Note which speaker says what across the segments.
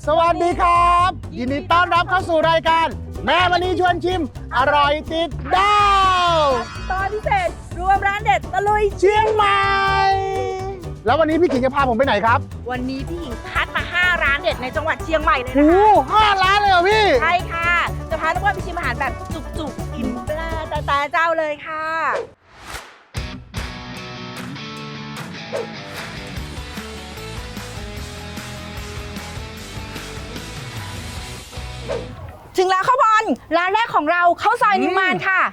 Speaker 1: สวัสดีครับยินดีต้อนรับเข้าสู่รายการแม่มณีชวนชิมอร่อยติดดาว
Speaker 2: ตอนพิเศษรวมร้านเด็ดตะลุย
Speaker 1: เชียงใหม่แล้ววันนี้พี่ขิงจะพาผมไปไหนครับ
Speaker 2: วันนี้พี่หญิงคัดมา5ร้านเด็ดในจังหวัดเชียงใหม่เลยนะ
Speaker 1: โอ้
Speaker 2: คะ
Speaker 1: 5 ร้านเลยเหรอพี่
Speaker 2: ใช่ค่ะจะพาทุกคนไปชิมอาหารแบบจุกๆอิ่มปลาตาเจ้าเลยค่ะถึงแล้วข้าวบอลร้านแรกของเราข้าวซอยนิมมานค่ะ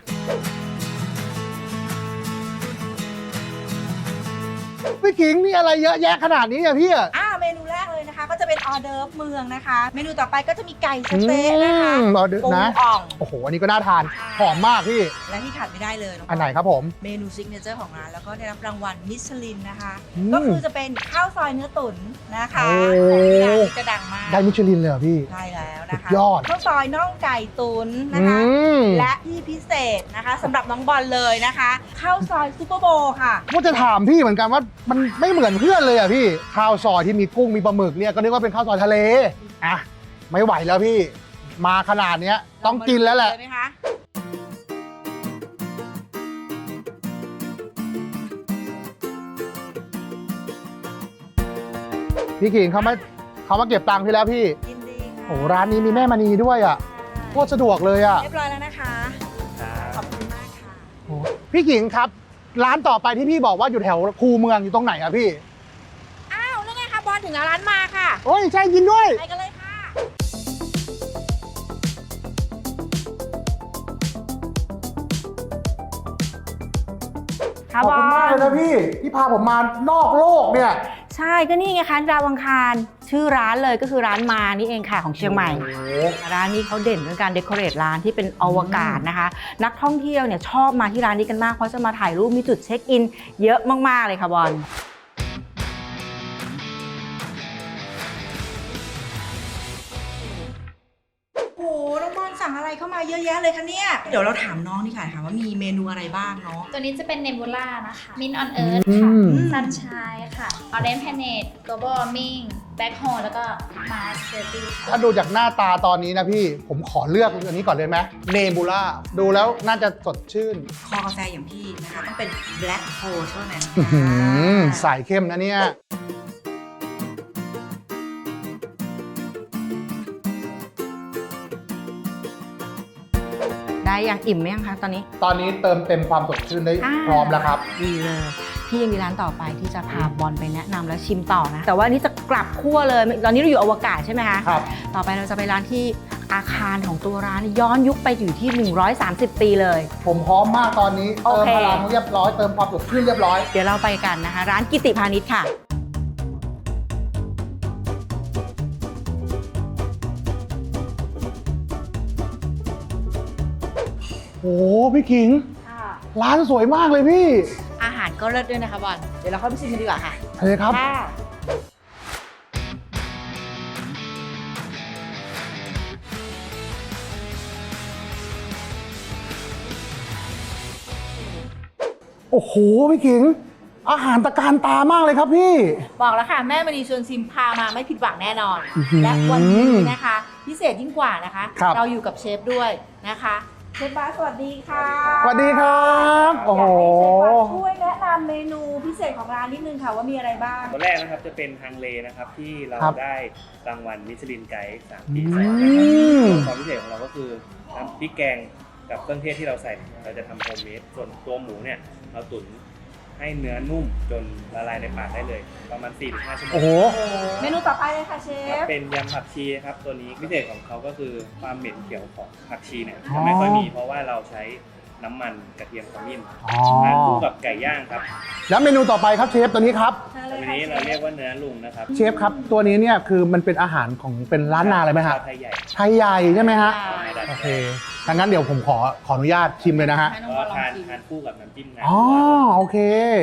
Speaker 1: พี่ขิงนี่อะไรเยอะแยะขนาดนี้อะพี่
Speaker 2: เมนูแรกเลยนะคะก็จะเป็นออเดิร์ฟเมืองนะคะเมนูต่อไปก็จะมีไก่สเต๊ะนะคะ
Speaker 1: ออเดิร์ฟนะ
Speaker 2: อ่อง
Speaker 1: โอ้โหอันนี้ก็น่าทานหอมมากพี่
Speaker 2: และที่ขาดไม่ได้เลย
Speaker 1: อันไหนครับผม
Speaker 2: เมนูซิกเนเจอร์ของร้านแล้วก็ได้รับรางวัลมิชลินนะคะก็คือจะเป็นข้าวซอยเนื้อตุ๋นนะคะร้านนี้จะดังมาก
Speaker 1: ได้มิชลินเลยเหรอพี่
Speaker 2: ใช่แล้วนะคะ
Speaker 1: ยอด
Speaker 2: ข้าวซอยน่องไก่ตุ๋นนะคะและที่พิเศษนะคะสำหรับน้องบอลเลยนะคะข้าวซอยซุปเปอร์โบค่ะ
Speaker 1: ว่าจะถามพี่เหมือนกันว่ามันไม่เหมือนเพื่อนเลยอ่ะพี่ข้าวซอยที่มีกุ้งมีปลาหมึกเนี่ยก็นึกว่าเป็นข้าวซอยทะเลอ่ะไม่ไหวแล้วพี่มาขนาดนี้ต้องกินแล้วแหละพี่ขิงเขามาเก็บตังค์พี่แล้วพี่
Speaker 2: ยินดีค่ะ
Speaker 1: โอ้ร้านนี้มีแม่มณีด้วยอ่ะโคตรสะดวกเลยอ่ะ
Speaker 2: เรียบร้อยแล้วนะคะขอบคุณมากค่ะ
Speaker 1: พี่ขิงครับร้านต่อไปที่พี่บอกว่าอยู่แถวคูเมืองอยู่ตรงไหนอ่ะพี่
Speaker 2: นั่นไงคะบอลถึงร้านมาค่ะ
Speaker 1: โอ้ยใช่ยินด้วย
Speaker 2: ไปกันเลยค่ะ
Speaker 1: ขอบคุณมากเลยนะพี่ที่พาผมมานอกโลกเนี่ย
Speaker 2: ใช่ก็นี่ไงคะดาวอังคารชื่อร้านเลยก็คือร้านมานี่เองค่ะของเชียงใหม่ร้านนี้เขาเด่นเรื่องการเดคอเรทร้านที่เป็นอวกาศนะคะนักท่องเที่ยวเนี่ยชอบมาที่ร้านนี้กันมากเพราะจะมาถ่ายรูปมีจุดเช็คอินเยอะมากๆเลยค่ะบอลโอ้โหน้องบอลสั่งอะไรเข้ามาเยอะแยะเลยคะเนี่ยเดี๋ยวเราถามน้องนี่ค่ะว่ามีเมนูอะไรบ้างเนาะ
Speaker 3: ตัวนี้จะเป็นเนบูล่านะคะมินออนเอิร์ธค่ะซันชายค่ะออเรนจ์แพเนตโกลบอลมิงแบ็คโฮแล้วก็มาสเตอร์ตี้
Speaker 1: ถ้าดูจากหน้าตาตอนนี้นะพี่ผมขอเลือกอันนี้ก่อนเลยไหมเนบูล่าดูแล้วน่าจะสดชื่น
Speaker 2: คอกาแฟอย่างพี่นะคะต้องเป็นแบล็คโฮเท่านั้น
Speaker 1: สายเข้มนะเนี่ย
Speaker 2: ได้ยังอิ่มไหมยังคะตอนนี้
Speaker 1: เติมเต็มความสดชื่นได้พร้อมแล้วครับ
Speaker 2: ดีเลยพี่ยังมีร้านต่อไปที่จะพาบอลไปแนะนำและชิมต่อนะแต่ว่านี้จะกลับขั้วเลยตอนนี้เราอยู่อวกาศใช่ไหมคะ
Speaker 1: ครับ
Speaker 2: ต่อไปเราจะไปร้านที่อาคารของตัวร้านย้อนยุคไปอยู่ที่130ปีเลย
Speaker 1: ผมพร้อมมากตอนนี้เติมพลังเรียบร้อยเติมความสดชื่นเรียบร้อย
Speaker 2: เดี๋ยวเราไปกันนะคะร้านกิติพาณิชย์ค่ะ
Speaker 1: โอ้พี่ขิงร้านสวยมากเลยพี่
Speaker 2: อาหารก็เลิศด้วยนะคะบอลเดี๋ยวเราเข้าไปชิมกันดีกว่าค่ะ
Speaker 1: โอเคครับโอ้โหพี่ขิงอาหารตะการตามากเลยครับพี่
Speaker 2: บอกแล้วค่ะแม่มณีชวนชิมพามาไม่ผิดหวังแน่นอนและวันนี้นะคะพิเศษยิ่งกว่านะคะเราอยู่กับเชฟด้วยนะคะเชฟบาสสวัสดีค่ะ
Speaker 1: สวัสดีครับโอ้โห
Speaker 2: ช่วยแนะนำเมนูพิเศษของร้านนิดนึงค่ะว่ามีอะไรบ้าง
Speaker 4: ตัวแรกนะครับจะเป็นฮังเลนะครับที่เราได้รางวัลมิชลินไกด์3 ปีซ้อนนะครับความพิเศษของเราก็คือน้ำพริกแกงกับเครื่องเทศที่เราใส่เราจะทำโฮมเมดส่วนตัวหมูเนี่ยเราตุ๋นให้เนื้อนุ่มจนละลายในปากได้เลยประมาณ 4-5 ชั่วโมง
Speaker 1: โอ้โห
Speaker 2: เมนูต่อไปเลยค่ะเชฟ
Speaker 4: เป็นยำผักชีครับตัวนี้พิเศษของเขาก็คือความเหม็นเขียวของผักชีเนี่ยจะไม่ค่อยมีเพราะว่าเราใช้น้ำมันกระเทียมขมิ้นทานคู่กับไก่ย่างครับ
Speaker 1: แล้วเมนูต่อไปครับเชฟตัวนี้ครับ
Speaker 4: ตัวนี้เราเรียกว่าเนื้อลุงนะครับ
Speaker 1: เชฟครับตัวนี้เนี่ยคือมันเป็นอาหารของเป็นร้านนาเลยไหมครับ
Speaker 4: ไทยใหญ่
Speaker 1: ไทยใหญ่ใช่ไหมฮะโอเคดังนั้นเดี๋ยวผมขออนุญาตชิมเลยนะฮะ
Speaker 4: ก็ทานคู่กับน้ำจิ้มนะ
Speaker 1: อ๋อโอเค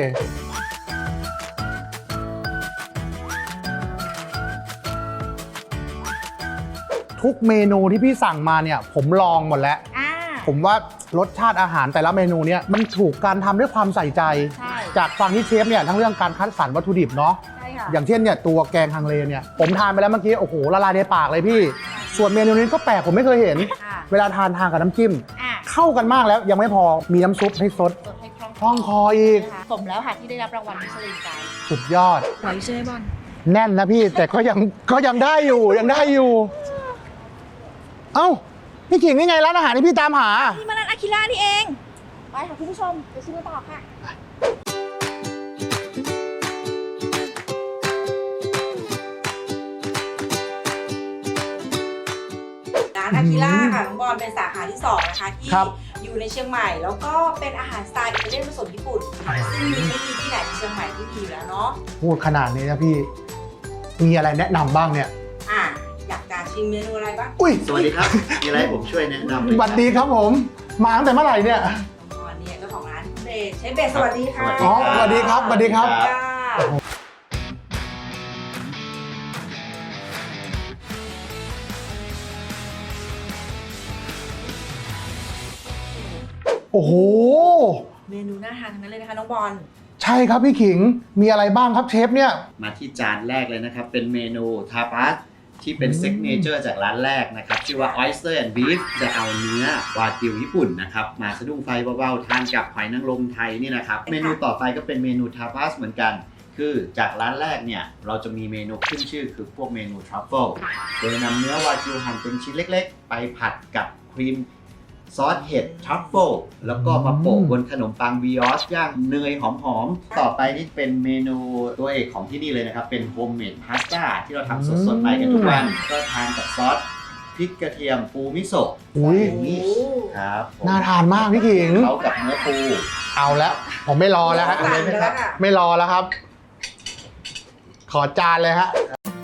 Speaker 1: ทุกเมนูที่พี่สั่งมาเนี่ยผมลองหมดแล้วผมว่ารสชาติอาหารแต่ละเมนูเนี่ยมันถูกการทำด้วยความใส่ใจจากฟังที่เชฟเนี่ยทั้งเรื่องการคัดสรรวัตถุดิบเนาะอย่างเช่นเนี่ยตัวแกงฮังเลเนี่ยผมทานไปแล้วเมื่อกี้โอ้โหละลายในปากเลยพี่ ส่วนเมนูนี้ก็แปลกผมไม่เคยเห็น
Speaker 2: ค่ะ
Speaker 1: เวลาทานกับน้ำจิ้ม
Speaker 2: อ่ะ
Speaker 1: เข้ากันมากแล้วยังไม่พอมีน้ำซุปให้ซด
Speaker 2: สดให้คล่อง
Speaker 1: คล่องคออีก
Speaker 2: สมแล้วค่ะที่ได้รับรางวัลมิชลินไกด์
Speaker 1: สุดยอด
Speaker 2: ไหวใช่ไหมบอล
Speaker 1: แน่นนะพี่แต่ก็ยังได้อยู่ยังได้อยู่ เอ้าพี่ขิงนี่ไงร้านอาหารที่พี่ตามหา
Speaker 2: นี่มาร้านอาคิล่านี่เองไปค่ะคุณผู้ชมไปชิมกันต่อค่ะร้านอาคิล่าค่ะน้องบอลเป็นสาขาที่2นะคะที่
Speaker 1: ครับ
Speaker 2: อยู่ในเชียงใหม่แล้วก็เป็นอาหารสไตล์อิตาเลียนผสมญี่ปุ่นซึ่งไม่มีที่ไหนในเชียงใหม่ที่มีอยู่แล้วเนาะ
Speaker 1: พูดขนาดนี้นะพี่มีอะไรแนะนำบ้างเนี่ย
Speaker 2: อ่ะอยากจะชิมเมนูอะไรบ้าง
Speaker 1: อุ้ย
Speaker 5: สวัสดีครับ มีอะไรให้ผมช่วยแนะนำไหม
Speaker 1: สวัสดีครับผมมาตั้งแต่เมื่อไหร่เนี่ย
Speaker 2: น้องบอลเนี่ยเจ้าของร้านเบสเชฟเบสสวัสดีค่ะ
Speaker 1: อ๋อสวัสดีครับสวัสดีครับ
Speaker 2: ค่ะ
Speaker 1: โอ้โห
Speaker 2: เมนูน่าทานทั้งนั้นเลยนะคะน้องบอล
Speaker 1: ใช่ครับพี่ขิงมีอะไรบ้างครับเชฟเนี่ย
Speaker 5: มาที่จานแรกเลยนะครับ เป็นเมนูทาปาสที่เป็นซิกเนเจอร์จากร้านแรกนะครับ ชื่อว่า Oyster and Beef จะเอาเนื้อวากิวญี่ปุ่นนะครับ มาสะดุ้งไฟเบาๆ ทานกับหอยนางรมไทยนี่นะครับ เมนูต่อไปก็เป็นเมนูทาปาสเหมือนกัน คือจากร้านแรกเนี่ยเราจะมีเมนูขึ้นชื่อคือพวกเมนูทรัฟเฟิลโดยนำเนื้อวากิวหั่นเป็นชิ้นเล็กๆ ไปผัดกับครีมซอสเห็ดทรัฟเฟิลแล้วก็มาโปะบนขนมปังบิออชย่างเนยหอมๆ ต่อไปนี่เป็นเมนูตัวเอกของที่นี่เลยนะครับ เป็นโฮมเมดพาสต้าที่เราทำสดๆใหม่กันทุกวัน ก็ทานกับซอสพริกกระเทียมปูมิโซะ
Speaker 1: อุ้ย
Speaker 5: อย่างนี้ครับผม
Speaker 1: น่าทานมากพี่ขิง
Speaker 5: เขากับเนื้อปู
Speaker 1: เอาแล้วผมไม่รอแล้วฮะ
Speaker 2: สั่งไปแล้วค่ะ
Speaker 1: ไม่รอแล้วครับ ขอจานเลยฮะ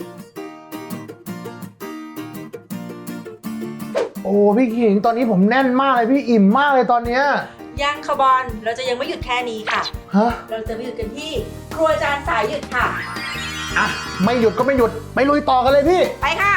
Speaker 1: โอ้พี่ขิงตอนนี้ผมแน่นมากเลยพี่อิ่มมากเลยตอนเนี้ย
Speaker 2: ยังค่ะบอลเราจะยังไม่หยุดแค่นี้ค่ะ
Speaker 1: ฮะ
Speaker 2: เราจะไปหยุดกันที่ครัวจานสายหยุดค่ะ
Speaker 1: อ่ะไม่หยุดก็ไม่หยุดไปลุยต่อกันเลยพี่
Speaker 2: ไปค่ะ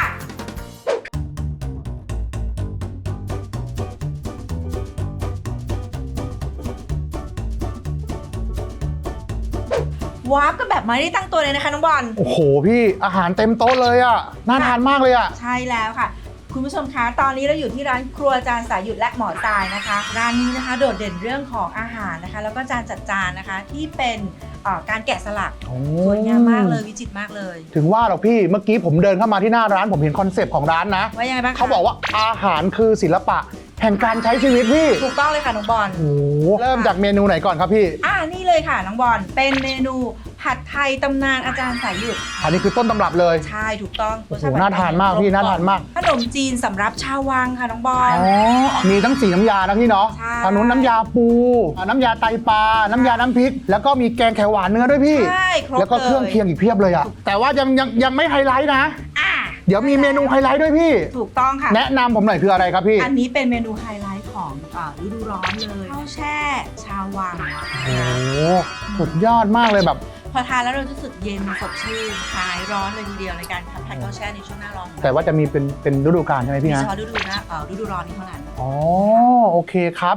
Speaker 2: วาร์ปก็แบบไม่ได้ตั้งตัวเลยนะคะน้องบอล
Speaker 1: โอ้โหพี่อาหารเต็มโต๊ะเลยอ่ะน่าทานมากเลยอ่ะ
Speaker 2: ใช่แล้วค่ะ คุณผู้ชมคะตอนนี้เราอยู่ที่ร้านครัวจานสายหยุดและหมอทรายนะคะร้านนี้นะคะโดดเด่นเรื่องของอาหารนะคะ แล้วก็จานจัดจานนะคะที่เป็นการแกะสลัก
Speaker 1: โอ้
Speaker 2: สวยงามมากเลยวิจิตรมากเลย
Speaker 1: ถึงว่าหรอกพี่เมื่อกี้ผมเดินเข้ามาที่หน้าร้านผมเห็นคอนเซปต์ของร้านนะ
Speaker 2: ว่ายังไงบ้างคะ
Speaker 1: เขาบอกว่าอาหารคือศิลปะแห่งการใช้ชีวิตพี่
Speaker 2: ถูกต้องเลยค่ะน้องบอล
Speaker 1: โอ้โหเริ่มจากเมนูไหนก่อนครับพี่
Speaker 2: นี่เลยค่ะน้องบอลเป็นเมนูผัดไทยตำนานอาจารย์สายหยุด
Speaker 1: อันนี้คือต้นตำรับเลย
Speaker 2: ใช่ถูกต้อง
Speaker 1: โอ้โหน่าทานมากพี่น่าทานมาก
Speaker 2: ขนมจีนสำรับชาววังค่ะน้องบอล
Speaker 1: อ๋อมีทั้ง4น้ำยานะพี่เนาะ
Speaker 2: ใช่
Speaker 1: ทางนู้นน้ำยาปูน้ำยาไตปลาน้ำยาน้ำพริก แล้วก็มีแกงเขียวหวานเนื้อด้วยพี่
Speaker 2: ใช่ครบ
Speaker 1: แล้วก็เครื่องเคียงอีกเพียบเลยอะแต่ว่ายังไม่ไฮไลท์นะ
Speaker 2: อ่ะ
Speaker 1: เดี๋ยวมีเมนูไฮไลท์ด้วยพี่
Speaker 2: ถูกต้องค่ะ
Speaker 1: แนะนำผมหน่อยคืออะไรครับพี่
Speaker 2: อันนี้เป็นเมนูไฮไลท์ของฤดูร้อนเลยข้าวแช่ชาววัง
Speaker 1: โอ้โหสุดยอดมากเลยแบบ
Speaker 2: พอทานแล้วเราจะรู้สึกเย็นสดชื่นคลายร้อนเลยทีเดียวในการทานข้าวแช่ในช่วงหน้าร้อน
Speaker 1: แต่ว่าจะมีเป็นฤดูกาลใช่ไหม
Speaker 2: มี
Speaker 1: พี่
Speaker 2: เฉ
Speaker 1: นะ
Speaker 2: พาะฤดูร้อนนี้เท่านั้น
Speaker 1: อ๋อโอเคครับ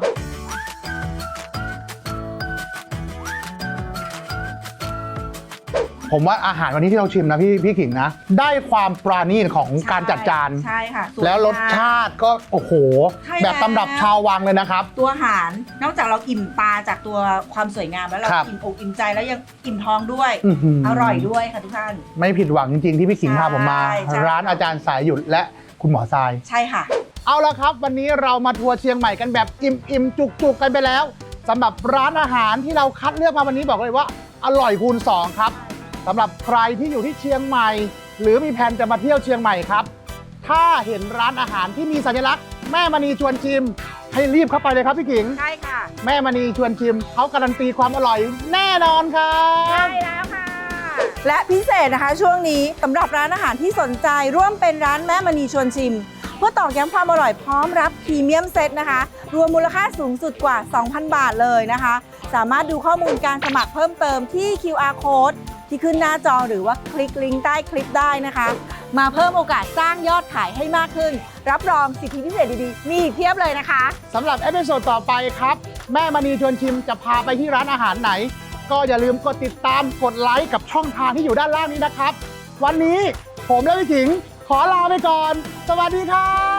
Speaker 1: ผมว่าอาหารวันนี้ที่เราชิมนะพี่ขิงนะ ได้ความปราณีตของการจัดจาน
Speaker 2: ใช่ค่ะสย
Speaker 1: แล้วรสชาติก็โอ้โห
Speaker 2: ใช่
Speaker 1: แบบตำรับ
Speaker 2: แล้ว
Speaker 1: ชาววังเลยนะครับ
Speaker 2: ตัวอาหารนอกจากเราอิ่มตาจากตัวความสวยงามแล้วเรา
Speaker 1: ครับ
Speaker 2: อิ่มอกอิ่มใจแล้วยังอิ่มท้องด้วย
Speaker 1: อื้อหือ
Speaker 2: อร่อยด้วยค่ะทุกท่าน
Speaker 1: ไม่ผิดหวังจริงๆที่พี่ขิงพาผมมา
Speaker 2: ใช่
Speaker 1: ร้านอาจารย์สายหยุดและคุณหมอทราย
Speaker 2: ใช่ค่ะ
Speaker 1: เอาละครับ วันนี้เรามาทัวร์เชียงใหม่กันแบบอิ่มจุกๆกันไปแล้วสำหรับร้านอาหารที่เราคัดเลือกมาวันนี้บอกเลยว่าอร่อยคูณ2ครับสำหรับใครที่อยู่ที่เชียงใหม่ หรือมีแผนจะมาเที่ยวเชียงใหม่ครับ ถ้าเห็นร้านอาหารที่มีสัญลักษณ์แม่มณีชวนชิม ให้รีบเข้าไปเลยครับพี่ขิง
Speaker 2: ใช่ค่ะ
Speaker 1: แม่มณีชวนชิมเขาการันตีความอร่อยแน่นอนครับ
Speaker 2: ใช่แล้วค่ะ และพิเศษนะคะช่วงนี้สำหรับร้านอาหารที่สนใจร่วมเป็นร้านแม่มณีชวนชิม เพื่อตอกย้ำความอร่อยพร้อมรับพรีเมียมเซตนะคะ รวมมูลค่าสูงสุดกว่า 2,000 บาทเลยนะคะ สามารถดูข้อมูลการสมัครเพิ่มเติมที่ QR Code ที่ขึ้นหน้าจอหรือว่าคลิกลิงก์ใต้คลิปได้นะคะ มาเพิ่มโอกาสสร้างยอดขายให้มากขึ้น รับรองสิทธิพิเศษดีๆ มีอีกเพียบเลยนะคะ
Speaker 1: สำหรับเอพิโซดต่อไปครับ แม่มณีชวนชิมจะพาไปที่ร้านอาหารไหนก็อย่าลืมกดติดตามกดไลค์กับช่องทางที่อยู่ด้านล่างนี้นะครับ วันนี้ผมและพี่ถิงขอลาไปก่อน สวัสดีครับ